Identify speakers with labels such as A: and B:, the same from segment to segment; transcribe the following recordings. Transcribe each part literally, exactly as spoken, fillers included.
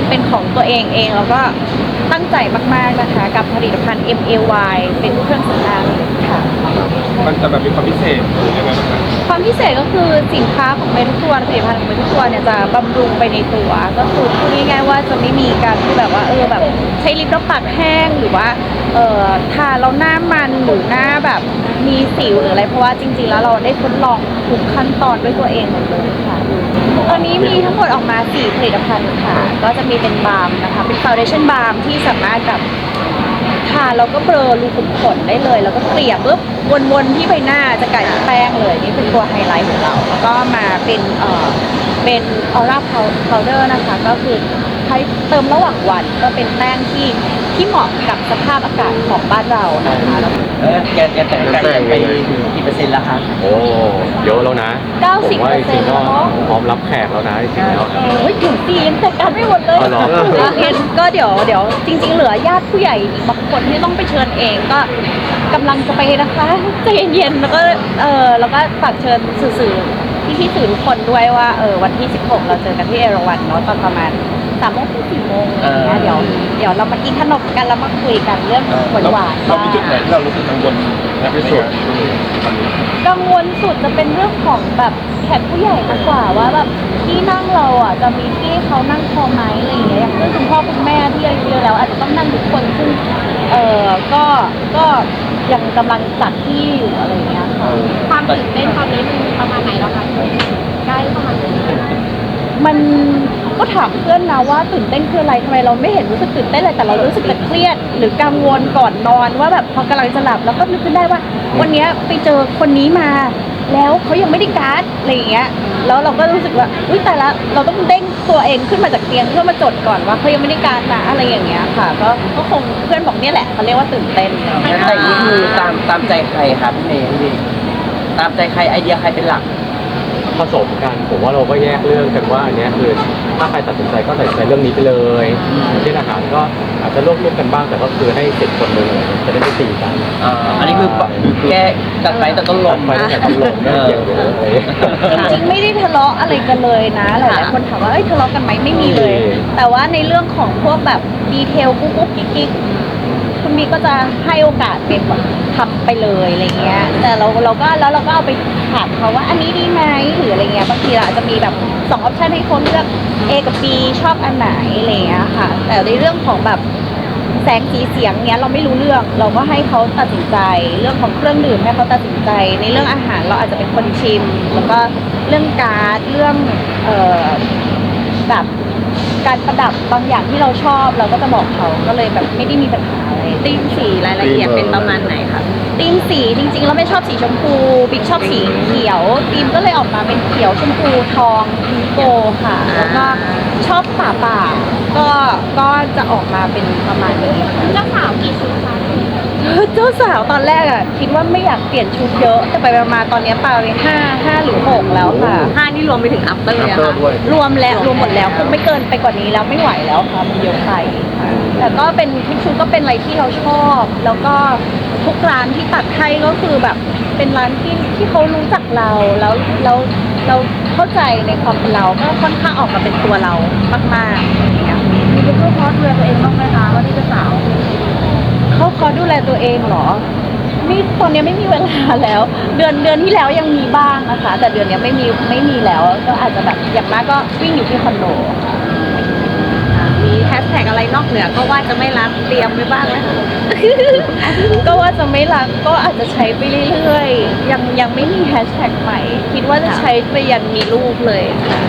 A: เป็นของตัวเองเองแล้วก็ตั้งใจมากๆนะคะกับผลิตภัณฑ์ เอ็ม เอ วาย เป็นเครื่องสำอางค่ะ
B: มันจะแบบมีความพิเศษหรือยังไงบ้างครับ
A: ความพิเศษก็คือสินค้าของเมทุกตัวผลิตภัณฑ์ของเมทุกตัวเนี่ยจะบำรุงไปในตัวก็คือพูดง่ายๆว่าจะไม่มีการที่แบบว่าเออแบบใช้ลิปแล้วปากแห้งหรือว่าเออทาแล้วหน้ามันหรือหน้าแบบมีสิวหรืออะไรเพราะว่าจริงๆแล้วเราได้ทดลองทุกขั้นตอนด้วยตัวเองหมดเลยค่ะตอนนี้มีทั้งหมดออกมาสี่ผลิตภัณฑ์ค่ะก็จะมีเป็นบาล์มนะคะเป็นฟาวเดชั่นบาล์มที่สามารถแบบทาแล้วก็เบลอรูขุมขนได้เลยแล้วก็เกลี่ยปุ๊บวนๆที่ใบหน้าจะกลายเป็นแป้งเลยนี่เป็นตัวไฮไลท์ของเราแล้วก็มาเป็นเอ่อเป็นออร่าพาวเดอร์นะคะก็คือใช้เติมระหว่างวันก็เป็นแป้งที่ที่เหมาะกับสภาพอากาศของบ้านเรานะคะแล้ว
C: เออแกแกแต่งไก่ไปถึงกี่เปอร์เซ็นต์แล้วคะ
D: โอ้เยอะแล้วนะ
A: เก้าสิบ
D: ผมว่า
A: เปอ
D: จ
A: ร์เซ็
D: ริ
A: น
D: ง
A: ต์
D: ๆก็
A: เนาะ
D: พร้อมรับแขกแล้วนะจริงๆแล้วนะ
A: โอ้ยถึงปียังจัดการไม่หมดเลย
D: อ๋อเหรอ
A: เห็นก็เดี๋ยวเดี๋ยวจริง ๆ เหลือญาติผู้ใหญ่อีกบางคนที่ต้องไปเชิญเองก็กำลังจะไปนะคะใจเย็นๆแล้วก็เออแล้วก็ฝากเชิญสื่อๆพี่พี่ๆสื่อทุกคนด้วยว่าเออวันที่สิบหกเราเจอกันที่เอราวัณเนาะตอนประมาณสามโมงถึงสี่โมงอะไรเงี้ยเดี๋ยวเดี๋ยวเรามากินขนมกันแล้วมาคุยกันเรื่องหวานหวาน
B: เรามีจุดไหนที่เรารู้สึกกังวลที่สุด
A: กังวลสุดจะเป็นเรื่องของแบบแขกผู้ใหญ่มากกว่าว่าแบบที่นั่งเราอ่ะจะมีที่เขานั่งพอไหมอะไรอย่างเงี้ยอย่างเช่นคุณพ่อคุณแม่ที่อายุเยอะแล้วอาจจะต้องนั่งทุกคนซึ่งเออก็ก็ยังกำลังจัดที่อยู่อะไรอย่างเงี้ยค่ะ
E: ความตื่นเต้นตอนนี้มันประมาณไหนแล้วคะใกล้ประมาณไหน
A: มันก็ถามเพื่อนนะว่าตื่นเต้นคืออะไรทำไมเราไม่เห็นรู้สึกตื่นเต้นเลยแต่เรารู้สึกแต่เครียดหรือกังวลก่อนนอนว่าแบบพอกำลังจะหลับแล้วก็นึกขึ้นได้ว่าวันนี้ไปเจอคนนี้มาแล้วเขายังไม่ได้การ์ดอะไรอย่างเงี้ยแล้วเราก็รู้สึกว่าอุ้ยแต่ละเราต้องเด้งตัวเองขึ้นมาจากเตียงเพื่อมาจดก่อนว่าเขายังไม่ได้การ์ดนะอะไรอย่างเงี้ยค่ะก็ก็คงเพื่อนบอกเนี่ยแหละเขาเรียกว่าตื่นเต้น
C: แต่นี่คือตามตามใจใครครับพี่เมย์พี่ตามใจใครไอเดียใครเป็นหลัก
D: ผสมกันผมว่าเราก็แยกเรื่องกันว่าอันนี้คือถ้าใครตัดสินใจก็ตัดสินใจเรื่องนี้ไปเลยเช่นอาหารก็อาจจะร่วมๆกันบ้างแต่ก็คือให้เสร็จคนหนึ่งจะได้ไม่ตีกัน
C: อ่าอันนี้คือแกจัดไปแต่ต้นลม
D: ไปแต่ต้นลมไม่เกี่ยวเลย
A: จริงไม่ได้ทะเลาะอะไรกันเลยนะหลายๆคนถามว่าเอ้ยทะเลาะกันไหมไม่มีเลยแต่ว่าในเรื่องของพวกแบบดีเทลกุ๊กกุ๊กกิ๊กกิ๊กคุณบีก็จะให้โอกาสเป็นแบบทำไปเลยอะไรเงี้ยแต่เราเราก็แล้วเราก็เอาไปถามเขาว่าอันนี้ดีไหมหรืออะไรเงี้ยบางทีเราอาจจะมีแบบสองออปชันให้คนเลือก A กับ B ชอบอันไหนอะไรเงี้ยค่ะแต่ในเรื่องของแบบแสงสีเสียงเนี้ยเราไม่รู้เรื่องเราก็ให้เขาตัดสินใจเรื่องของเครื่องดื่มให้เขาตัดสินใจในเรื่องอาหารเราอาจจะเป็นคนชิมแล้วก็เรื่องการ์ดเรื่องเอ่อแบบการประดับบางอย่างที่เราชอบเราก็จะบอกเขาก็เลยแบบไม่ได้มีปัญหาอะไรธีมสีรายละเอียดเป็นประมาณไหนคะธีมสีจริงๆเราไม่ชอบสีชมพูบิ๊กชอบสีเขียวธีมก็เลยออกมาเป็นเขียวชมพูทองพิงโกค่ะแล้วก็ชอบป่าป่าก็ก็จะออกมาเป็นประมาณนี้
E: เจ้าสาวกี่ชุดคะ
A: เจ้าสาวตอนแรกอ่ะคิดว่าไม่อยากเปลี่ยนชุดเยอะแต่ไปมาตอนนี้ปาไปห้าห้าหรือหกแล้วค่ะ
E: ห้านี่รวมไปถึงอัปเตอร์เลยค่ะ
A: รวมแล้วรวมหมดแล้วคงไม่เกินไปกว่านี้แล้วไม่ไหวแล้วค่ะมันเยอะไปแต่ก็เป็นทุกชุดก็เป็นอะไรที่เราชอบ แล้วก็ทุกร้านที่ตัดให้ก็คือแบบเป็นร้านที่ที่เขารู้จักเราแล้วแล้วเราเข้าใจในความเป็นเราก็ค่อนข้างออกมาเป็นตัวเรามากๆอย่างเงี้ยมีเข้าคอร์สดูแลตัวเองบ้างไหมคะว่าที่จะสาวเข้าคอร์สดูแลตัวเองเหรอนี่ตอนนี้ไม่มีเวลาแล้ว เดือนเดือนที่แล้วยังมีบ้างนะคะแต่เดือนนี้ไม่มีไม่มีแล้วก็อาจจะแบบอย่างมากก็วิ่งอยู่ที่คอนโด
E: มีแฮชแท็กอะไรนอกเหนือก็ว่าจะไม่รับเตรียมไว้บ้างแล้ว
A: ก็ว่าจะไม่รักก็อาจจะใช้ไปเรื่อยๆยังยังไม่มีแฮชแท็กใหม่คิดว่าจะใช้ไปยันมีลูกเลยค่ะ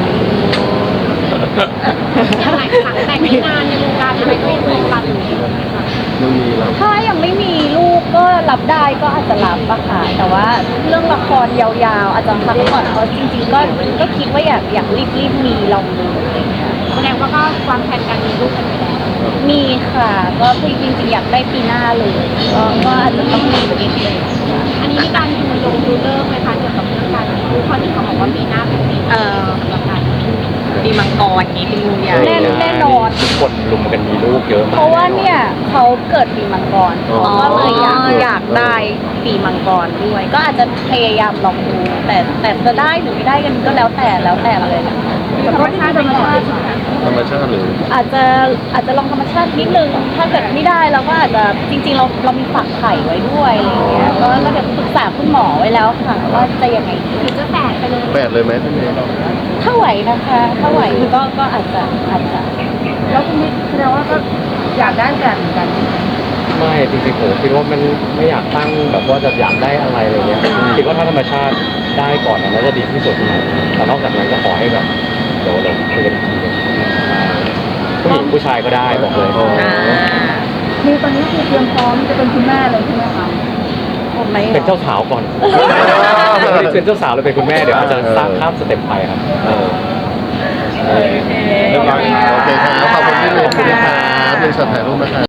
E: ยังหลายครั้งแต่งงานในวงการอะไรก็ยังมีรับอยู่
A: ถ้ายังไม่มีลูกก็รับได้ก็อาจจะรับอะค่ะแต่ว่าเรื่องละครยาวๆอาจจะพักก่อนเพราะจริงๆก็ก็คิดว่าอยากอยากรีบๆมีลองดูอะไรอย่างเงี้ย
E: แสดงว่าก็วางแผนการมีลูกกันไปแล้ว
A: มีค่ะก็จริงๆอยากได้ปีหน้าเลยก็ก็อาจจะต้องมีนิดนึง
E: อันนี้มีการดูลงดูเลิกไหมคะเกี่ยวกับเรื่องการมีลูกเพราะที่เขาบอกว่าปีหน้าเป็นปีเอ่อสำหรับการ
C: ปีมังกรนี้เป็นงูใหญ่
A: แน่แน่นอน
D: ทุกคนลุมกันมีลูกเยอะมาก
A: เพราะว่าเนี่ยเขาเกิดปีมังกรก็เลยอยากอยากได้ปีมังกรด้วยก็อาจจะพยายามลองดูแต่แต่จะได้หรือไม่ได้กันก็แล้วแต่แล้วแต่เลย
E: ธรรมชาติธรรมชาติ
F: ธรรมชาติหรือ
A: อาจจะอาจจะลองธรรมชาตินิดนึงถ้าเกิดไม่ได้เราก็อาจจะจริง ๆ เราเรามีฝักไข่ไว้ด้วยอะไรอย่างเงี้ยก็ก็เดี๋ยวปรึกษาคุณหมอไว้แล้วค่ะว่าจะยังไงดี
E: หรือจะแฝดไปเลย
F: แปดเลยไหมพี่เมย์
A: ถ้าไหวนะคะ ถ้าไหวก็ก็อาจจะอาจจะ
E: แล้วคุณนี่แสดงว่าก็อยากได้แฝดเหมือนกัน
D: ไม่จริงๆผมคิดว่ามันไม่อยากตั้งแบบว่าจะอยากได้อะไรอะไรเงี้ยคิดว่าถ้าธรรมชาติได้ก่อนน่าจะดีที่สุดแต่นอกจากนั้นก็ขอให้แบบเดี๋ยวเราคุยกันอีกทีหนึงผู้หญิงผู้ชายก็ได้บอกเลย
E: มีตอนนี้คือเตรียมพร้อมจะเป็นคุณแม่เลยใช่ไหมคะ
A: ผมไหม
D: เป็นเจ้าสาวก่อนไม่ได้เป็นเจ้าสาวเลยเป็นคุณแม่เดี๋ยวอาจจะสร้างข้ามสเต็ปไปครับ
F: เรียบร้อยครับโอเคครับขอบคุณพี่เมย์ขอบคุณครับหนึ่งช็อตถ่ายรูปนะครับ